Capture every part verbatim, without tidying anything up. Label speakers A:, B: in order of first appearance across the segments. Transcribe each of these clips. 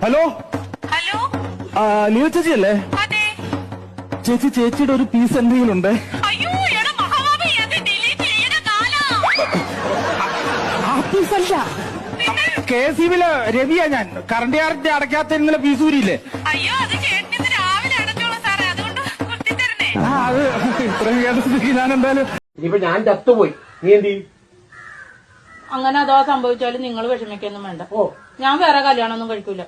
A: Hello
B: hello
A: നീല ചേച്ചി അല്ലേ?
B: അതെ.
A: ചേച്ചി ചേച്ചിയുടെ ഒരു പീസ് എന്തെങ്കിലും ഉണ്ട്?
B: അയ്യോ എടാ മഹാഭാവി, അത് ഡിലീറ്റ് ചെയ്യണ കാലാ.
A: ആ പീസ് അല്ല, കെ എസ് ഇ ബിയിലെ രവിയാ ഞാൻ. കറണ്ട് ചാർജ് അടയ്ക്കാത്ത ഇന്നലെ പീസ് ഊരിയില്ലേ?
B: അയ്യോ അത് ചേട്ടന് രാവിലെ അടച്ചോളൂ സാറേ, അതുകൊണ്ട് കുത്തിത്തരണേ.
A: ആ അത് ഇത്രയും കേട്ട ഞാൻ എന്തായാലും
C: ഇനിയിപ്പോ ഞാൻ ചത്തുപോയി, നീ എന്ത് ചെയ്യും?
D: അങ്ങനെ അഥവാ സംഭവിച്ചാലും നിങ്ങൾ വിഷമിക്കൊന്നും വേണ്ട.
C: ഓ
D: ഞാൻ വേറെ കല്യാണം ഒന്നും കഴിക്കൂല.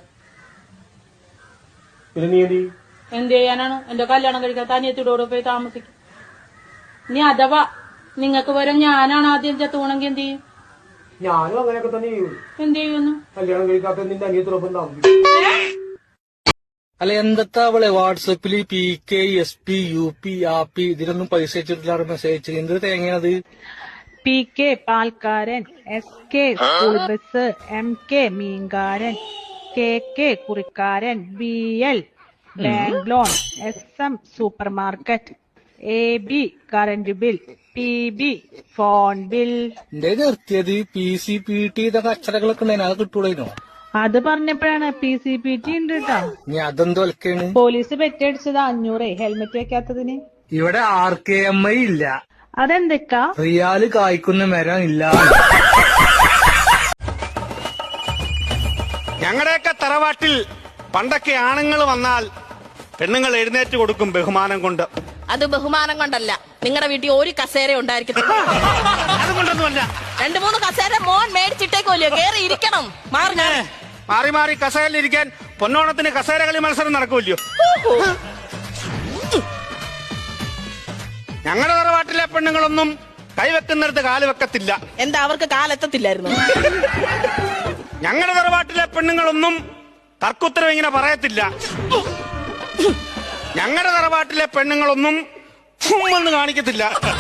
C: പിന്നെ നീ എന്ത് ചെയ്യും?
D: എന്ത് ചെയ്യാനാണ്? എന്റെ കല്യാണം കഴിക്കാത്ത അനിയത്തിയോട് പോയി താമസിക്കും. ഇനി അഥവാ നിങ്ങൾക്ക് പകരം ഞാനാണ് ആദ്യം ചത്തുപോണെങ്കിൽ എന്ത് ചെയ്യും?
C: ഞാനും അങ്ങനെയൊക്കെ തന്നെ ചെയ്യും.
D: എന്ത് ചെയ്യുന്നു?
C: കല്യാണം കഴിക്കാത്ത നിന്റെ അനിയത്തിനൊപ്പം താമസിക്കും.
E: അല്ല എന്തത്താ അവളെ വാട്സപ്പില് P K S P U P ആപ്പി ഇതിനൊന്നും പൈസ അയച്ചിട്ടില്ല, മെസ്സേജ് എന്ത് തേങ്ങയാണത്?
F: പി കെ പാൽക്കാരൻ, S K school bus, M K മീൻകാരൻ, കെ കെ കുറിക്കാരൻ, B L bank loan, S M super market, A B current bill, P B phone bill.
E: എന്റെ നിർത്തിയത് പി സി പി ടി ഇതൊക്കെ അക്ഷരങ്ങളൊക്കെ ഉണ്ടായിരുന്നു, അത് കിട്ടൂടേനോ?
F: അത് പറഞ്ഞപ്പോഴാണ് പി സി പി ടി ഉണ്ട് കേട്ടോ.
E: ഇനി അതെന്തോ ഒലക്കാണ്?
F: Police പെറ്റടിച്ചത് അഞ്ഞൂറേ helmet വെക്കാത്തതിന്.
E: ഇവിടെ ആർ കെ എം ഐ ഇല്ല,
F: അതെന്തൊക്കാ?
E: റിയാല് കായ്ക്കുന്ന മരം ഇല്ല.
G: ഞങ്ങളുടെയൊക്കെ തറവാട്ടിൽ പണ്ടൊക്കെ ആണുങ്ങൾ വന്നാൽ പെണ്ണുങ്ങൾ എഴുന്നേറ്റ് കൊടുക്കും ബഹുമാനം കൊണ്ട്.
H: അത് ബഹുമാനം കൊണ്ടല്ല, നിങ്ങളുടെ വീട്ടിൽ ഒരു കസേര ഉണ്ടായിരിക്കും.
G: അതുകൊണ്ടൊന്നുമല്ല,
H: രണ്ടു മൂന്ന് കസേര മോൻ മേടിച്ചിട്ടേക്കോല്ലോ, കേറി ഇരിക്കണം. മാറി ഞാൻ
G: മാറി മാറി കസേരയിലിരിക്കാൻ പൊന്നോണത്തിന് കസേര കളി മത്സരം നടക്കൂല്ലോ. ഞങ്ങളുടെ തറവാട്ടിലെ പെണ്ണുങ്ങളൊന്നും കൈവെക്കുന്നിടത്ത് കാല് വെക്കത്തില്ല.
H: എന്താ അവർക്ക് കാലെത്തത്തില്ലായിരുന്നു?
G: ഞങ്ങളുടെ തറവാട്ടിലെ പെണ്ണുങ്ങളൊന്നും തർക്കുത്തരം ഇങ്ങനെ പറയത്തില്ല. ഞങ്ങളുടെ തറവാട്ടിലെ പെണ്ണുങ്ങളൊന്നും ഫുമ്മെന്ന് കാണിക്കത്തില്ല.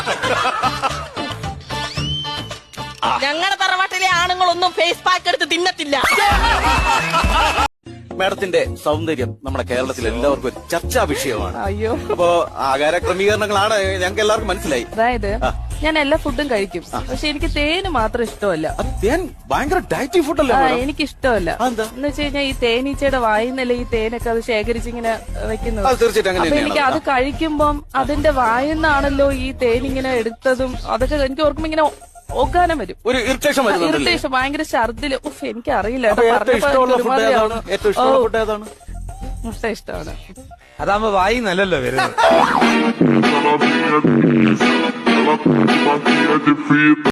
H: ഞങ്ങളുടെ തറവാട്ടിലെ ആണുങ്ങളൊന്നും ഫേസ് പാക്ക് എടുത്ത് തിന്നത്തില്ല.
I: മാഡത്തിന്റെ സൗന്ദര്യം നമ്മുടെ കേരളത്തിൽ എല്ലാവർക്കും ഒരു ചർച്ചാ വിഷയമാണ്. അയ്യോ, അപ്പോ ആഹാര ക്രമീകരണങ്ങളാണ് ഞങ്ങൾക്ക് എല്ലാവർക്കും മനസ്സിലായി.
J: അതായത് ഞാൻ എല്ലാ ഫുഡും കഴിക്കും, പക്ഷെ എനിക്ക് തേന് മാത്രം ഇഷ്ടമല്ല.
I: തേൻ ഭയങ്കര ഡയറ്റി ഫുഡല്ലേ?
J: എനിക്ക് ഇഷ്ടമല്ല. എന്ന് വെച്ച് കഴിഞ്ഞാൽ ഈ തേനീച്ചയുടെ വായിന്നല്ലേ ഈ തേനൊക്കെ അത് ശേഖരിച്ചിങ്ങനെ വെക്കുന്നത്.
I: തീർച്ചയായിട്ടും
J: അപ്പൊ എനിക്ക് അത് കഴിക്കുമ്പം അതിന്റെ വായിന്നാണല്ലോ ഈ തേനിങ്ങനെ എടുത്തതും അതൊക്കെ എനിക്ക് ഓർക്കുമ്പോ ഇങ്ങനെ ഓക്കാനം വരും,
I: ഒരു ഇറിറ്റേഷൻ
J: ഇറിറ്റേഷൻ, ഭയങ്കര ഛർദില്. ഉഫ്, എനിക്കറിയില്ല.
I: ഏറ്റവും ഫുഡ് ഏതാണ്?
J: മുട്ട ഇഷ്ടമാണ്.
E: അതാകുമ്പോ വായി നല്ലല്ലോ വരുന്നത്.